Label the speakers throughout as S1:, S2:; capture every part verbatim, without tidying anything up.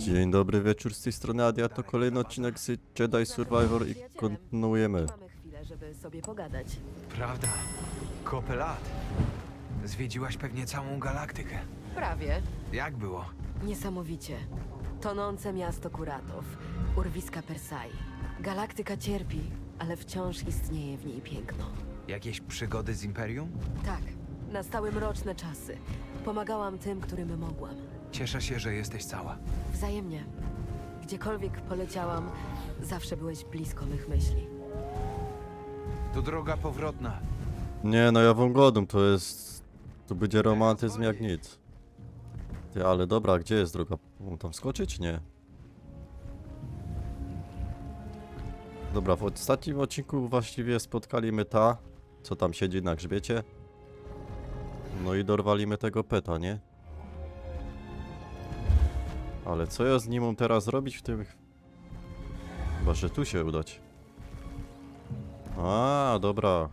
S1: Dzień dobry wieczór, z tej strony Adia, to kolejny odcinek z Jedi Survivor i kontynuujemy.
S2: Mamy chwilę, żeby sobie pogadać.
S3: Prawda. Kopę lat. Zwiedziłaś pewnie całą galaktykę.
S2: Prawie.
S3: Jak było?
S2: Niesamowicie. Tonące miasto Kuratów. Urwiska Persai. Galaktyka cierpi, ale wciąż istnieje w niej piękno.
S3: Jakieś przygody z Imperium?
S2: Tak, nastały mroczne czasy. Pomagałam tym, którym mogłam.
S3: Cieszę się, że jesteś cała.
S2: Wzajemnie. Gdziekolwiek poleciałam, zawsze byłeś blisko mych myśli.
S3: To droga powrotna.
S1: Nie no, ja wam godą, to jest... To będzie romantyzm jak nic. Ty, ale dobra, gdzie jest droga? Mam tam skoczyć? Nie. Dobra, w ostatnim odcinku właściwie spotkaliśmy ta, co tam siedzi na grzbiecie. No i dorwaliśmy tego peta, nie? Ale co ja z nim mam teraz robić w tym... Chyba, że tu się udać. A, dobra.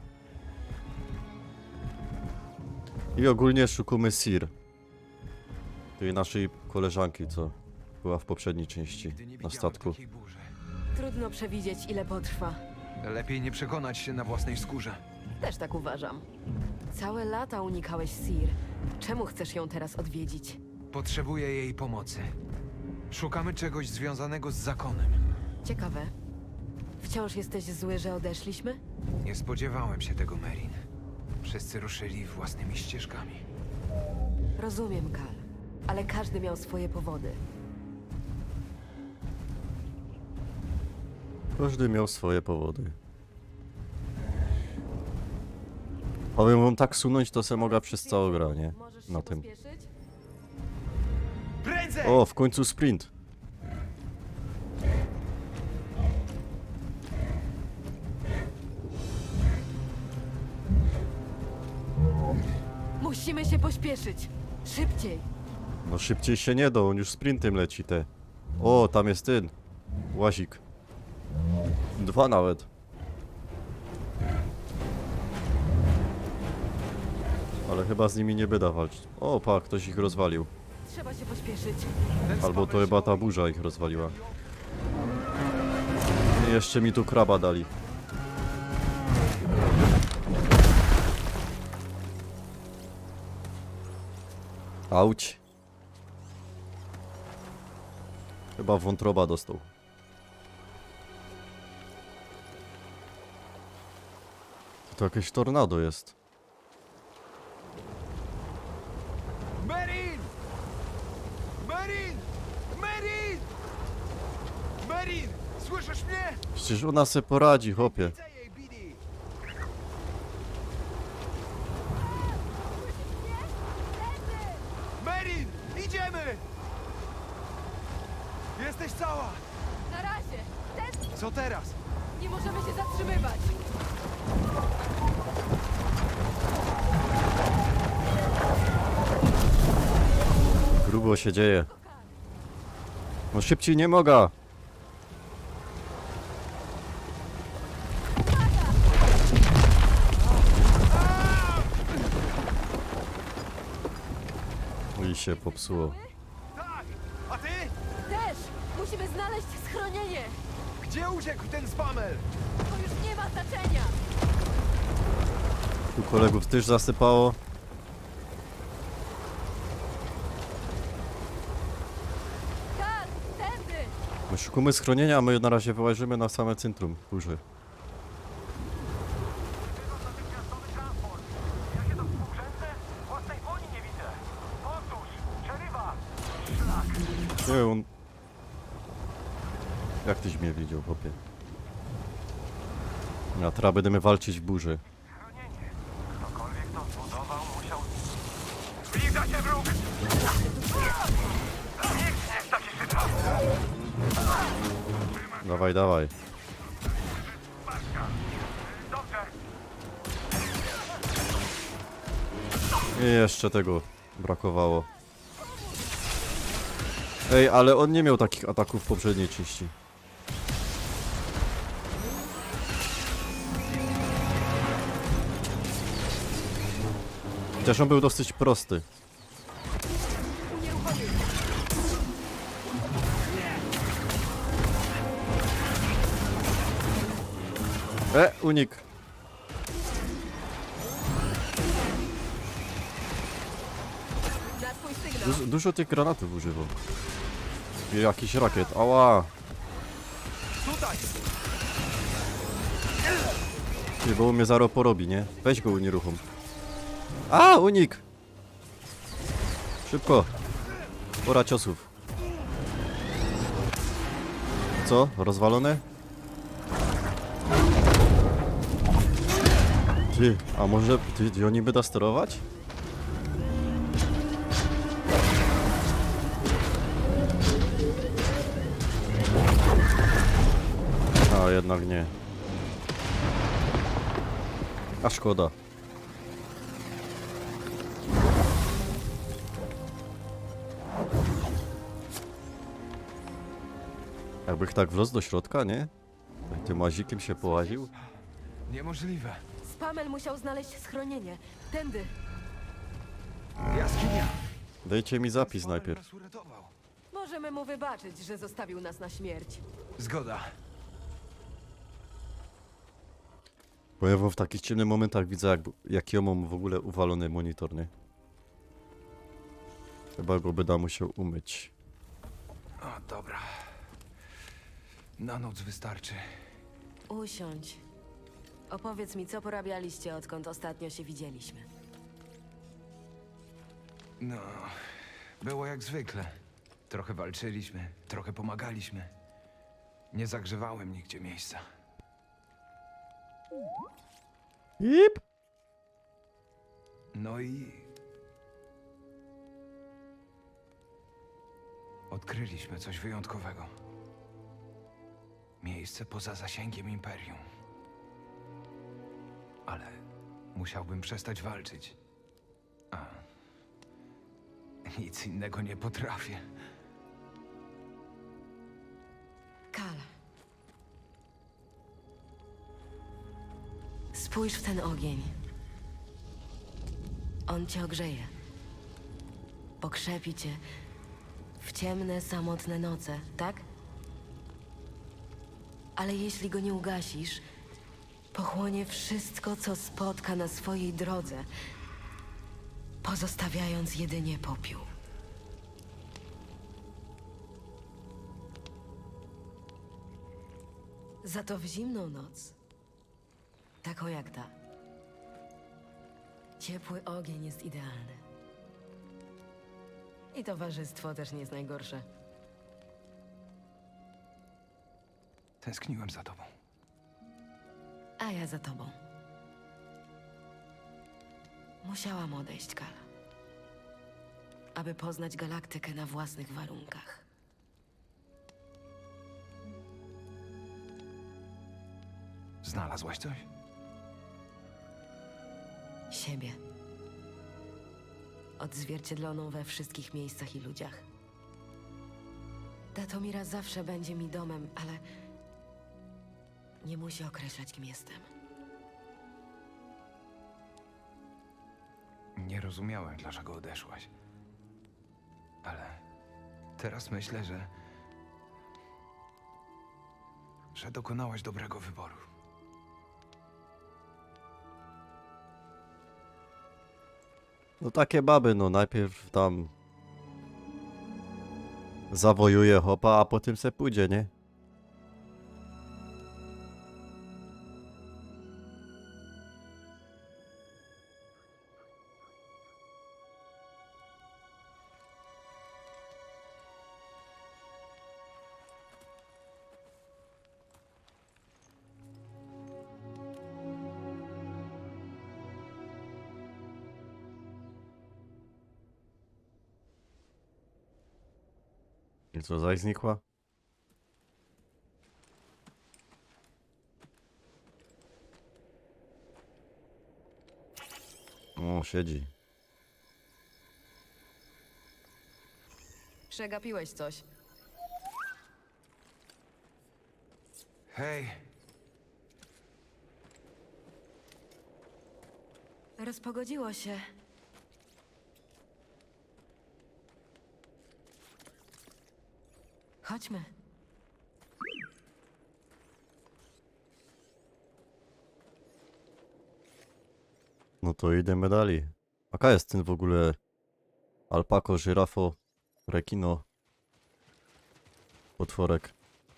S1: I ogólnie szukamy Sir. Tej naszej koleżanki, co była w poprzedniej części
S3: Nigdy nie
S1: na
S3: widziałem
S1: statku.
S3: takiej burzy.
S2: Trudno przewidzieć, ile potrwa.
S3: Lepiej nie przekonać się na własnej skórze.
S2: Też tak uważam. Całe lata unikałeś Sir. Czemu chcesz ją teraz odwiedzić?
S3: Potrzebuję jej pomocy. Szukamy czegoś związanego z zakonem.
S2: Ciekawe. Wciąż jesteś zły, że odeszliśmy?
S3: Nie spodziewałem się tego, Merin. Wszyscy ruszyli własnymi ścieżkami.
S2: Rozumiem, Kal. Ale każdy miał swoje powody.
S1: Każdy miał swoje powody. Powiem wam, tak sunąć to se mogę przez całą grę, nie?
S2: Możesz
S1: Na
S2: się
S1: tym.
S2: pospieszyć?
S3: Prędzej!
S1: O, w końcu sprint.
S2: Musimy się pośpieszyć. Szybciej.
S1: No szybciej się nie da, on już sprintem leci te. O, tam jest ten. Łazik. Dwa nawet. Ale chyba z nimi nie będę walczyć. O, pa, ktoś ich rozwalił.
S2: Trzeba się pośpieszyć.
S3: Ten
S1: Albo to
S3: spawel
S1: chyba
S3: się
S1: ta
S3: boi.
S1: burza ich rozwaliła. I jeszcze mi tu kraba dali. Auć. Chyba wątroba dostał. To jakieś tornado jest.
S3: Merin! Merin! Merin! Merin! Słyszysz mnie?
S1: Przecież ona se poradzi, chłopie.
S3: Widzę jej, Bidi! Merin! Idziemy! Jesteś cała!
S2: Na razie. Ten...
S3: Co teraz?
S2: Nie możemy się zatrzymywać.
S1: Grubo się dzieje. No szybciej nie mogę. I się popsuło.
S3: Tak! A ty?
S2: Też. Musimy znaleźć schronienie.
S3: Gdzie uciekł ten spamel?
S2: To już nie ma znaczenia.
S1: Tu kolegów też zasypało.
S2: Kal, tędy.
S1: My szukamy schronienia, a my na razie wyłażymy na same centrum burzy.
S4: Natychmiastowy transport. Ja się to współrzędne? Własnej dłoni nie widzę. Otóż, przerywa. Szlak.
S1: Nie, on... Jak tyś mnie widział, chłopie? Ja teraz będziemy walczyć w burzy.
S4: Chronienie. Ktokolwiek to zbudował, musiał... Zbliża się wróg! Nikt nie chce się szybko.
S1: Dawaj, dawaj.
S4: Dobrze.
S1: I jeszcze tego brakowało. Ej, ale on nie miał takich ataków w poprzedniej części. Chociaż on był dosyć prosty. E, unik.
S2: Na twój sygnał.
S1: Dużo, dużo tych granatów używał. I jakiś rakiet. Ała.
S3: Tutaj!
S1: Ty, bo mnie zaro porobi, nie? Weź go unieruchom. A, unik! Szybko. Pora ciosów. Co? Rozwalone? Ty, a może ty, ty oni by da sterować? A, jednak nie. A szkoda. Jakbych tak wlazł do środka, nie? Tak tym łazikiem się połaził.
S3: Niemożliwe.
S2: Spamel musiał znaleźć schronienie. Tędy.
S3: Jaskinia!
S1: Dajcie mi zapis
S3: Spamel
S1: najpierw.
S3: nas uratował.
S2: Możemy mu wybaczyć, że zostawił nas na śmierć.
S3: Zgoda.
S1: Bo ja w takich ciemnych momentach widzę, jak, jaki ja mam w ogóle uwalony monitor, nie? Chyba go będę musiał umyć.
S3: O, dobra. Na noc wystarczy.
S2: Usiądź. Opowiedz mi, co porabialiście, odkąd ostatnio się widzieliśmy.
S3: No, było jak zwykle. Trochę walczyliśmy, trochę pomagaliśmy. Nie zagrzewałem nigdzie miejsca.
S1: Ip!
S3: No i... Odkryliśmy coś wyjątkowego. Miejsce poza zasięgiem Imperium. Ale musiałbym przestać walczyć. A... Nic innego nie potrafię.
S2: Kal. Spójrz w ten ogień. On cię ogrzeje. Pokrzepi cię w ciemne, samotne noce, tak? Ale jeśli go nie ugasisz, pochłonie wszystko, co spotka na swojej drodze, pozostawiając jedynie popiół. Za to w zimną noc, taką jak ta, ciepły ogień jest idealny. I towarzystwo też nie jest najgorsze.
S3: Tęskniłem za tobą.
S2: A ja za tobą. Musiałam odejść, Kal. Aby poznać galaktykę na własnych warunkach.
S3: Znalazłaś coś?
S2: Siebie. Odzwierciedloną we wszystkich miejscach i ludziach. Datomira zawsze będzie mi domem, ale nie musi określać, kim jestem.
S3: Nie rozumiałem, dlaczego odeszłaś. Ale teraz myślę, że... że dokonałaś dobrego wyboru.
S1: No takie baby, no najpierw tam zawojuje hopa, a potem se pójdzie, nie? I co, zaś znikła? O, siedzi.
S2: Przegapiłeś coś.
S3: Hej,
S2: Rozpogodziło się. Chodźmy.
S1: No to idziemy dalej. Jaka jest ten w ogóle alpako, żyrafo, rekino, potworek?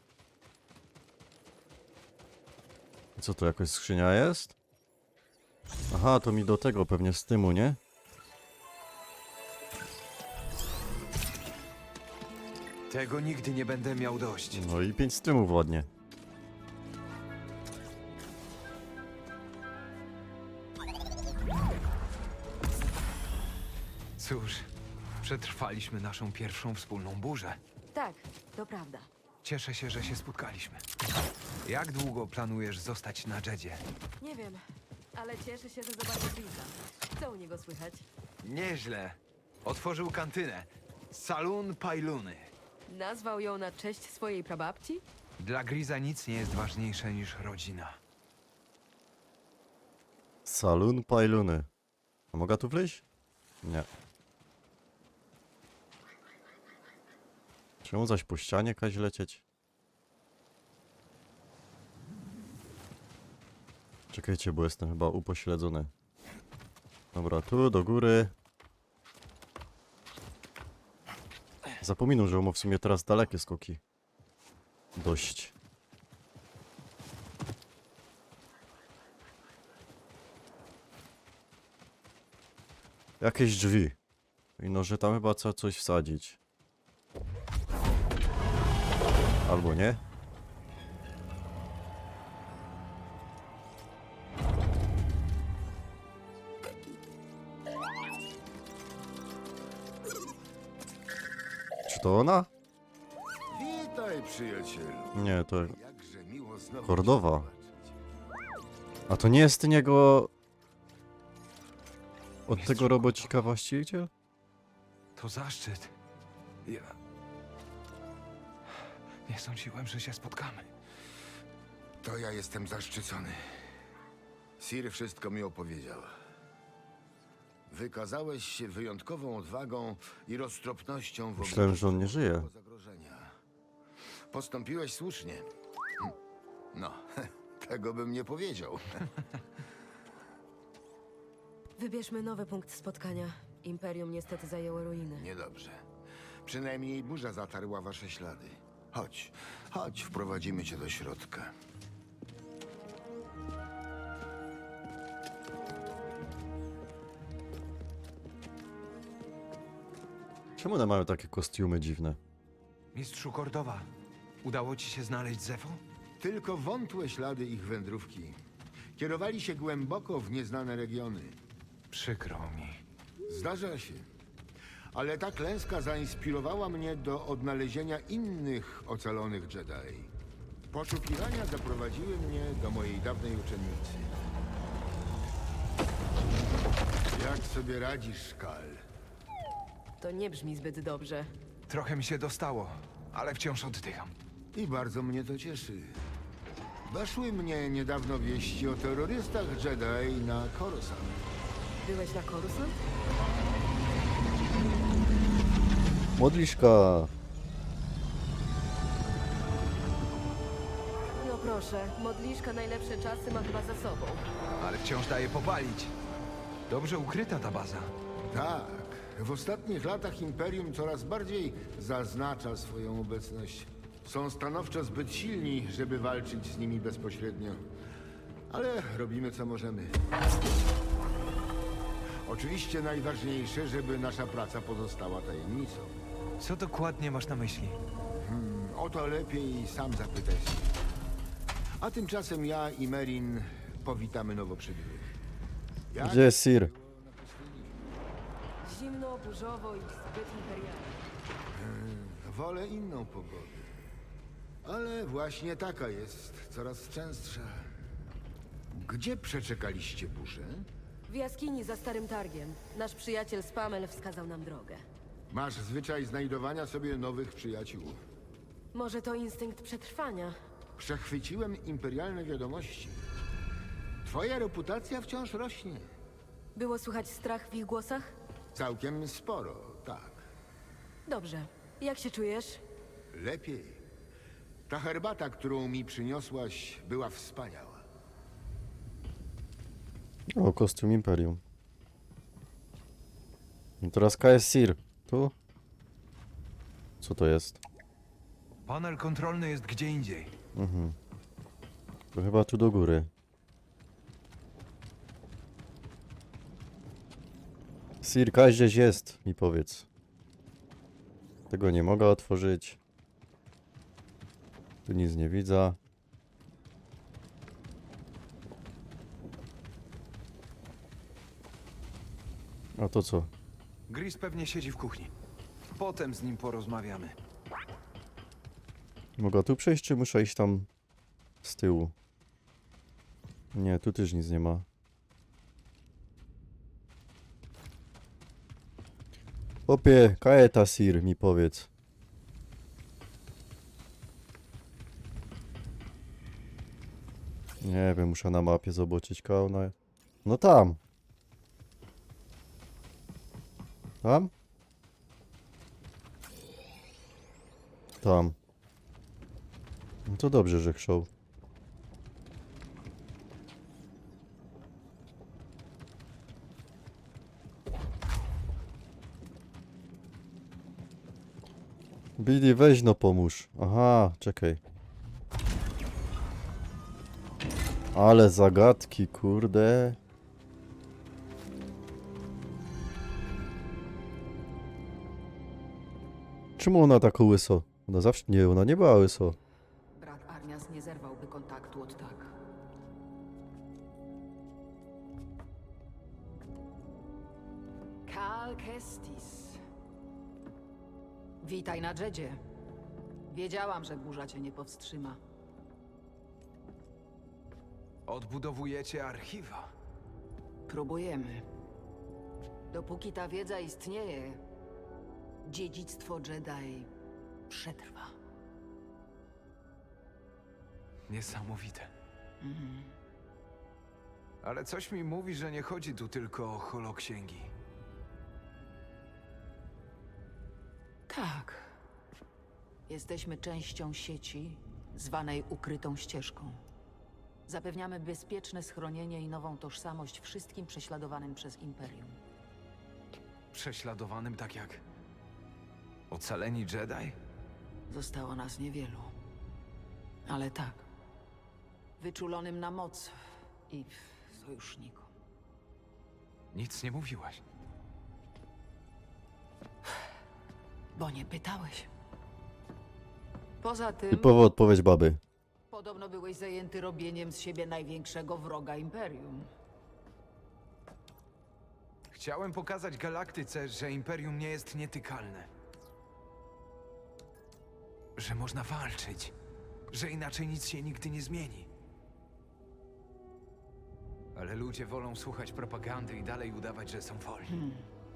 S1: I co to, jakaś skrzynia jest? Aha, to mi do tego pewnie z tymu, nie?
S3: Tego nigdy nie będę miał dość.
S1: No i pięć stymów ładnie.
S3: Cóż, przetrwaliśmy naszą pierwszą wspólną burzę.
S2: Tak, to prawda.
S3: Cieszę się, że się spotkaliśmy. Jak długo planujesz zostać na Jedzie?
S2: Nie wiem, ale cieszę się, że zobaczę Chrisa. Co u niego słychać?
S3: Nieźle. Otworzył kantynę. Saloon Pajluny.
S2: Nazwał ją na cześć swojej prababci?
S3: Dla Griza nic nie jest ważniejsze niż rodzina.
S1: Saloon Pajluny. A mogę tu wleźć? Nie. Czemu zaś po ścianie kaś lecieć? Czekajcie, bo jestem chyba upośledzony. Dobra, tu do góry. Zapominam, że on ma w sumie teraz dalekie skoki. Dość. Jakieś drzwi. I no, że tam chyba trzeba coś wsadzić. Albo nie. Czy to ona?
S5: Witaj, przyjacielu.
S1: Nie, to
S5: Jakże miło znowu
S1: Kordowa.
S5: cię zobaczyć.
S1: A to nie jest niego... Od
S3: Mistrzu
S1: tego robocika właściciel?
S3: To zaszczyt. Ja... Nie sądziłem, że się spotkamy.
S5: To ja jestem zaszczycony. Sir wszystko mi opowiedział. Wykazałeś się wyjątkową odwagą i roztropnością w
S1: Myślałem,
S5: obliczu
S1: że on nie żyje.
S5: tego zagrożenia. Postąpiłeś słusznie. Hm. No, tego bym nie powiedział.
S2: Wybierzmy nowy punkt spotkania. Imperium niestety zajęło ruiny.
S5: Niedobrze. Przynajmniej burza zatarła wasze ślady. Chodź, chodź, wprowadzimy cię do środka.
S1: Czemu one mają takie kostiumy dziwne?
S3: Mistrzu Kordowa, udało ci się znaleźć Zefo?
S5: Tylko wątłe ślady ich wędrówki. Kierowali się głęboko w nieznane regiony.
S3: Przykro mi.
S5: Zdarza się. Ale ta klęska zainspirowała mnie do odnalezienia innych ocalonych Jedi. Poszukiwania zaprowadziły mnie do mojej dawnej uczennicy. Jak sobie radzisz, Kal?
S2: To nie brzmi zbyt dobrze.
S3: Trochę mi się dostało, ale wciąż oddycham.
S5: I bardzo mnie to cieszy. Doszły mnie niedawno wieści o terrorystach Jedi na Coruscant.
S2: Byłeś na Coruscant?
S1: Modliszka!
S2: No proszę, modliszka najlepsze czasy ma chyba za sobą.
S3: Ale wciąż daje popalić. Dobrze ukryta ta baza.
S5: Tak, w ostatnich latach Imperium coraz bardziej zaznacza swoją obecność. Są stanowczo zbyt silni, żeby walczyć z nimi bezpośrednio. Ale robimy co możemy. Oczywiście najważniejsze, żeby nasza praca pozostała tajemnicą.
S3: Co dokładnie masz na myśli?
S5: O to lepiej sam zapytaj się. A tymczasem ja i Merin powitamy nowo przybyłych. Jak
S1: Gdzie jest Sir?
S2: Zimno, burzowo i zbyt imperialnie.
S5: Wolę inną pogodę. Ale właśnie taka jest, coraz częstsza. Gdzie przeczekaliście burzę?
S2: W jaskini za Starym Targiem. Nasz przyjaciel Spamel wskazał nam drogę.
S5: Masz zwyczaj znajdowania sobie nowych przyjaciół.
S2: Może to instynkt przetrwania?
S5: Przechwyciłem imperialne wiadomości. Twoja reputacja wciąż rośnie.
S2: Było słychać strach w ich głosach?
S5: Całkiem sporo, tak.
S2: Dobrze. Jak się czujesz?
S5: Lepiej. Ta herbata, którą mi przyniosłaś, była wspaniała.
S1: O, kostium Imperium. I teraz K S Sir. Tu? Co to jest?
S3: Panel kontrolny jest gdzie indziej.
S1: Mhm. To chyba tu do góry. Sir, gdzieś jest, mi powiedz. Tego nie mogę otworzyć. Tu nic nie widzę. A to co?
S3: Gris pewnie siedzi w kuchni. Potem z nim porozmawiamy.
S1: Mogę tu przejść, czy muszę iść tam z tyłu? Nie, tu też nic nie ma. Opie, kaeta Sir, mi powiedz. Nie wiem, muszę na mapie zobaczyć kauna. No tam. Tam? Tam. No to dobrze, że chrzał. Billy, weź no pomóż. Aha, czekaj. Ale zagadki, kurde. Czemu ona tak łyso? Ona zawsze... Nie, ona nie była łyso.
S2: Brat Arnias nie zerwałby kontaktu od tak. Kal Kestis. Witaj na Jedzie. Wiedziałam, że burza cię nie powstrzyma.
S3: Odbudowujecie archiwa.
S2: Próbujemy. Dopóki ta wiedza istnieje, dziedzictwo Jedi przetrwa.
S3: Niesamowite. Ale coś mi mówi, że nie chodzi tu tylko o holoksięgi.
S2: Tak. Jesteśmy częścią sieci zwanej ukrytą ścieżką. Zapewniamy bezpieczne schronienie i nową tożsamość wszystkim prześladowanym przez Imperium.
S3: Prześladowanym tak jak ocaleni Jedi?
S2: Zostało nas niewielu. Ale tak. Wyczulonym na moc i sojusznikom.
S3: Nic nie mówiłaś.
S2: Bo nie pytałeś. Poza tym,
S1: Typowa odpowiedź baby.
S2: podobno byłeś zajęty robieniem z siebie największego wroga Imperium.
S3: Chciałem pokazać galaktyce, że Imperium nie jest nietykalne. Że można walczyć. Że inaczej nic się nigdy nie zmieni. Ale ludzie wolą słuchać propagandy i dalej udawać, że są wolni.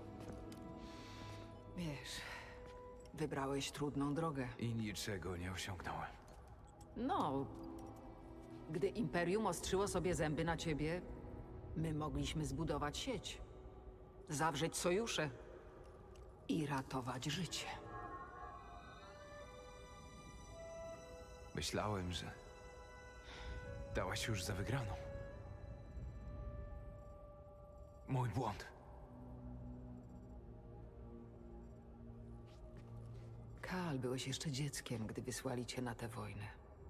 S2: Wiesz, wybrałeś trudną drogę.
S3: I niczego nie osiągnąłem.
S2: No, gdy Imperium ostrzyło sobie zęby na ciebie, my mogliśmy zbudować sieć, zawrzeć sojusze i ratować życie.
S3: Myślałem, że dałaś już za wygraną. Mój błąd.
S2: Kal, byłeś jeszcze dzieckiem, gdy wysłali cię na tę wojnę.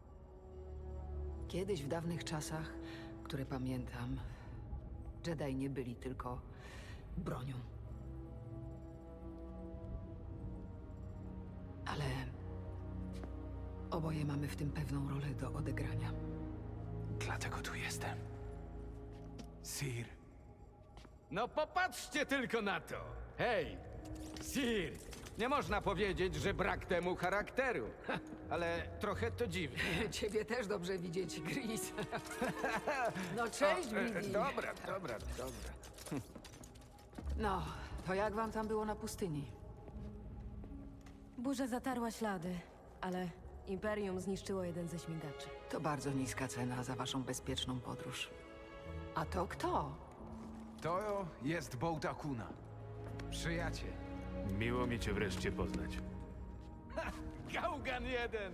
S2: Kiedyś w dawnych czasach, które pamiętam, Jedi nie byli tylko bronią. Ale oboje mamy w tym pewną rolę do odegrania.
S3: Dlatego tu jestem. Sir.
S6: No popatrzcie tylko na to! Hej, Sir! Nie można powiedzieć, że brak temu charakteru. Ha, ale trochę to dziwne.
S2: Ciebie też dobrze widzieć, Gris. No cześć,
S6: E,
S2: Billy.
S6: Dobra, dobra, dobra.
S2: No, to jak wam tam było na pustyni?
S7: Burza zatarła ślady, ale Imperium zniszczyło jeden ze śmigaczy.
S2: To bardzo niska cena za waszą bezpieczną podróż. A to kto?
S3: To jest Bołta Kuna. Przyjaciel.
S6: Miło mi cię wreszcie poznać. Gałgan jeden!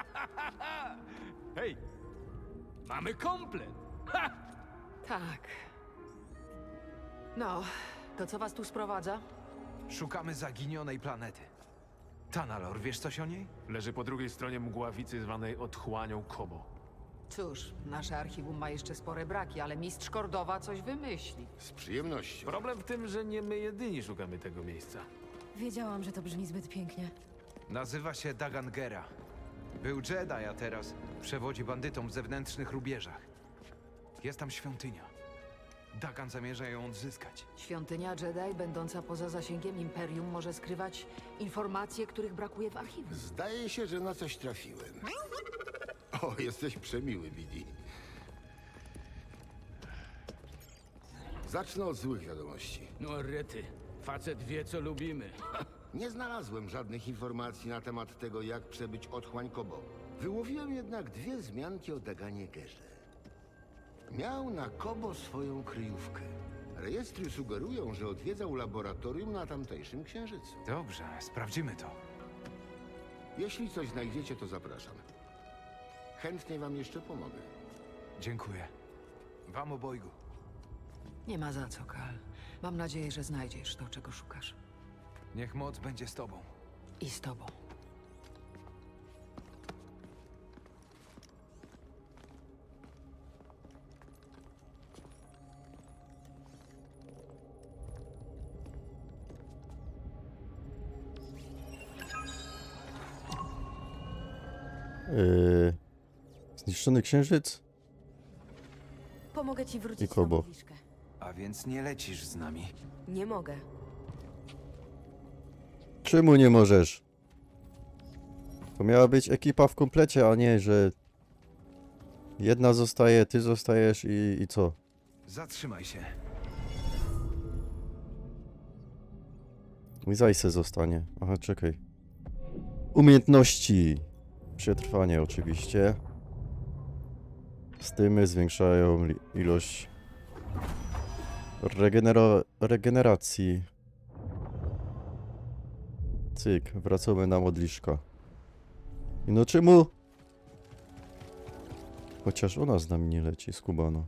S6: Hej, mamy komplet!
S2: Tak. No, to co was tu sprowadza?
S3: Szukamy zaginionej planety. Tanalor, wiesz coś o niej?
S8: Leży po drugiej stronie mgławicy zwanej otchłanią Kobo.
S2: Cóż, nasze archiwum ma jeszcze spore braki, ale mistrz Kordowa coś wymyśli.
S5: Z przyjemnością.
S8: Problem w tym, że nie my jedyni szukamy tego miejsca.
S7: Wiedziałam, że to brzmi zbyt pięknie.
S3: Nazywa się Dagan Gera. Był Jedi, a teraz przewodzi bandytom w zewnętrznych rubieżach. Jest tam świątynia. Dagan zamierza ją odzyskać.
S2: Świątynia Jedi, będąca poza zasięgiem Imperium, może skrywać informacje, których brakuje w archiwum.
S5: Zdaje się, że na coś trafiłem. O, jesteś przemiły, Bidi. Zacznę od złych wiadomości.
S6: No rety, facet wie co lubimy.
S5: Nie znalazłem żadnych informacji na temat tego, jak przebyć otchłań Kobo. Wyłowiłem jednak dwie wzmianki o Daganie Gerze. Miał na Kobo swoją kryjówkę. Rejestry sugerują, że odwiedzał laboratorium na tamtejszym księżycu.
S3: Dobrze, sprawdzimy to.
S5: Jeśli coś znajdziecie, to zapraszam. Chętnie wam jeszcze pomogę.
S3: Dziękuję. Wam obojgu.
S2: Nie ma za co, Kal. Mam nadzieję, że znajdziesz to, czego szukasz.
S3: Niech moc będzie z tobą.
S2: I z tobą.
S1: Yy... Zniszczony księżyc?
S7: Pomogę ci
S1: I
S7: wrócić na
S1: Kobo.
S7: modliszkę.
S3: A więc nie lecisz z nami.
S7: Nie mogę.
S1: Czemu nie możesz? To miała być ekipa w komplecie, a nie, że jedna zostaje, ty zostajesz i, i co?
S3: Zatrzymaj się.
S1: Mój Zajse zostanie. Aha, czekaj. Umiejętności. Przetrwanie oczywiście. Stymy zwiększają li- ilość regenero- regeneracji. Cyk, wracamy na modliszka. I no czemu? Chociaż ona z nami nie leci, skubano.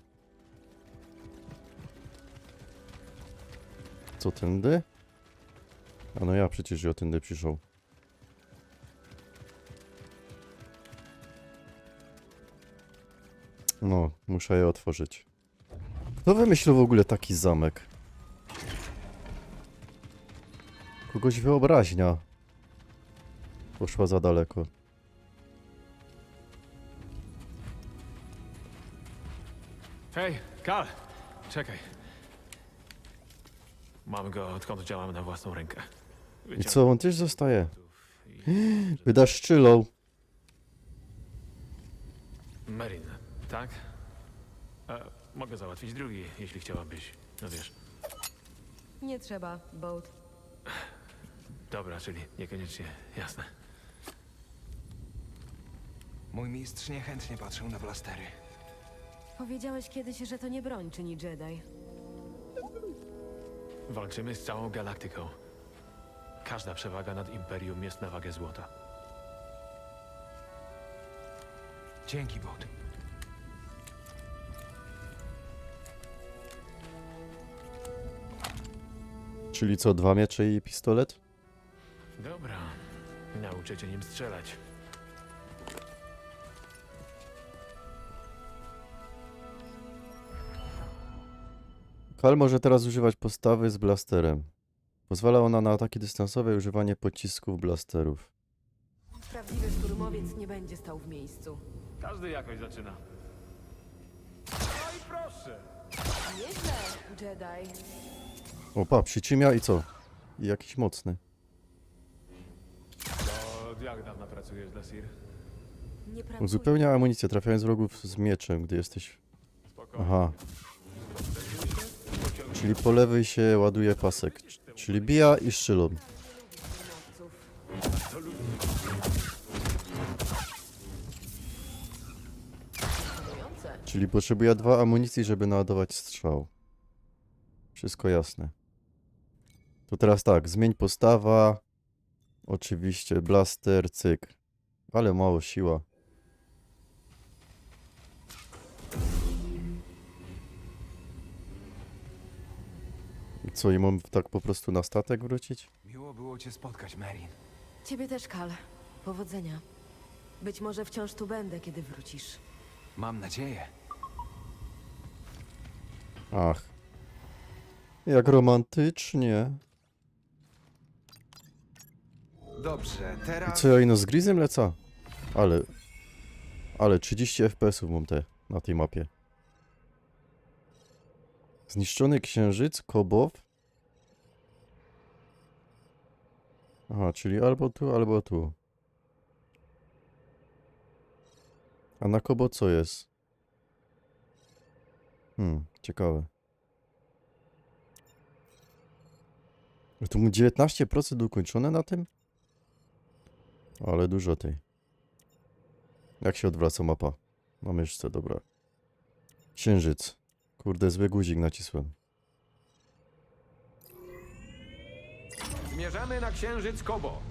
S1: Co, tędy? A no ja przecież ja tędy przyszedł. No, muszę je otworzyć. Kto wymyślił w ogóle taki zamek? Kogoś wyobraźnia poszła za daleko.
S8: Hej, Kal! Czekaj. Mam go, odkąd działamy na własną rękę.
S1: I co, on też zostaje?
S8: I...
S1: Wydasz szczylą.
S8: Merin, tak? E, mogę załatwić drugi, jeśli chciałabyś. No wiesz.
S7: Nie trzeba, Boat.
S8: Dobra, czyli niekoniecznie jasne.
S3: Mój mistrz niechętnie patrzył na blastery.
S7: Powiedziałeś kiedyś, że to nie broń czyni Jedi.
S8: Walczymy z całą galaktyką. Każda przewaga nad Imperium jest na wagę złota.
S3: Dzięki, Bot.
S1: Czyli co, dwa miecze i pistolet?
S8: Dobra, nauczę cię nim strzelać.
S1: Kal może teraz używać postawy z blasterem. Pozwala ona na ataki dystansowe i używanie pocisków blasterów.
S7: Prawdziwy szturmowiec nie będzie stał w miejscu.
S8: Każdy jakoś zaczyna. No i proszę!
S7: Nieźle, Jedi.
S1: Opa, przycimia i co? I jakiś mocny.
S8: To od jak dawno pracujesz dla Sir?
S7: Nie pracuję.
S1: Uzupełnia amunicję, trafiając wrogów z mieczem, gdy jesteś...
S8: Spokojnie.
S1: Aha. Czyli po lewej się ładuje pasek. c- Czyli bija i szczylą.
S7: Imponujące.
S1: Czyli potrzebuje dwa amunicji, żeby naładować strzał. Wszystko jasne. To teraz tak, zmień postawa. Oczywiście blaster, cyk. Ale mało siła. I Co, i mam tak po prostu na statek wrócić?
S3: Miło było cię spotkać, Merin.
S7: Ciebie też, Kal. Powodzenia. Być może wciąż tu będę, kiedy wrócisz.
S3: Mam nadzieję.
S1: Ach. Jak romantycznie.
S3: Dobrze,
S1: I
S3: teraz...
S1: co, ja ino z Grizem lecę? Ale... Ale trzydzieści F P S ów mam te na tej mapie. Zniszczony księżyc, Kobow. Aha, czyli albo tu, albo tu. A na Kobo co jest? Hmm, ciekawe. Tu mu dziewiętnaście procent ukończone na tym? Ale dużo tej. Jak się odwraca mapa? Na myszce, dobra. Księżyc. Kurde, zły guzik nacisłem.
S6: Zmierzamy na księżyc Kobo.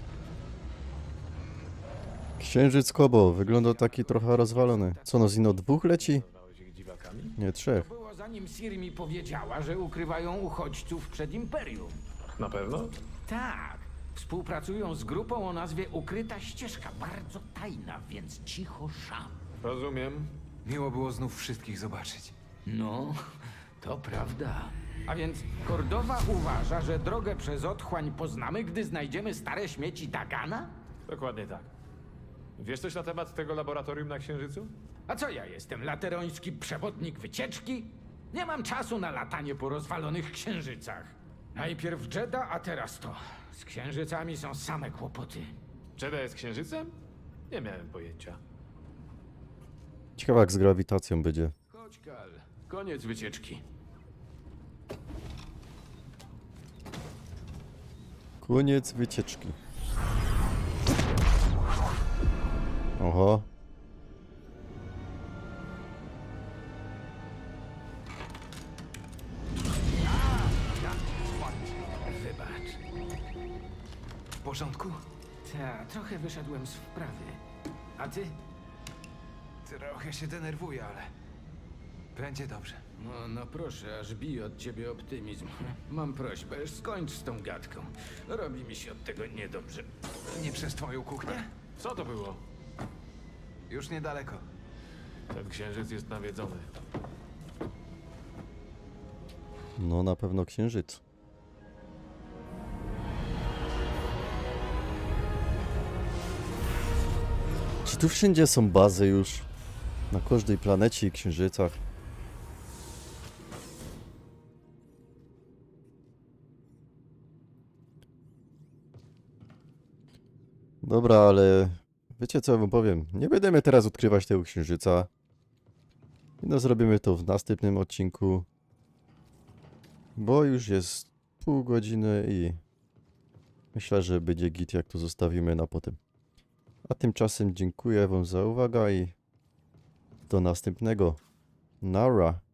S1: Księżyc Kobo. Wygląda taki trochę rozwalony. Co, no zino dwóch leci?
S8: Nazwałeś ich dziwakami?
S1: Nie, trzech.
S6: To było zanim Sir mi powiedziała, że ukrywają uchodźców przed Imperium.
S8: Na pewno?
S6: Tak. Współpracują z grupą o nazwie Ukryta Ścieżka. Bardzo tajna, więc cicho szam.
S8: Rozumiem.
S3: Miło było znów wszystkich zobaczyć.
S6: No, to prawda. A więc Kordowa uważa, że drogę przez otchłań poznamy, gdy znajdziemy stare śmieci Dagana?
S8: Dokładnie tak. Wiesz coś na temat tego laboratorium na Księżycu?
S6: A co ja jestem, lateroński przewodnik wycieczki? Nie mam czasu na latanie po rozwalonych księżycach. Najpierw Jedha, a teraz to. Z księżycami są same kłopoty.
S8: Jedha jest Księżycem? Nie miałem pojęcia.
S1: Ciekawe jak z grawitacją będzie.
S6: Chodź, Kal. Koniec wycieczki.
S1: Koniec wycieczki. Oho.
S6: Wybacz.
S3: W porządku?
S6: Ta, trochę wyszedłem z wprawy. A ty?
S3: Trochę się denerwuję, ale... Będzie dobrze.
S6: No, no proszę, aż bije od ciebie optymizm. Mam prośbę, skończ z tą gadką. Robi mi się od tego niedobrze.
S3: Nie przez twoją kuchnię?
S8: Co to było?
S3: Już niedaleko.
S8: Ten księżyc jest nawiedzony.
S1: No na pewno księżyc. Czy tu wszędzie są bazy już? Na każdej planecie i księżycach. Dobra, ale wiecie co ja wam powiem? Nie będziemy teraz odkrywać tego księżyca. No zrobimy to w następnym odcinku. Bo już jest pół godziny i myślę, że będzie git, jak to zostawimy na potem. A tymczasem dziękuję wam za uwagę i do następnego. Nara.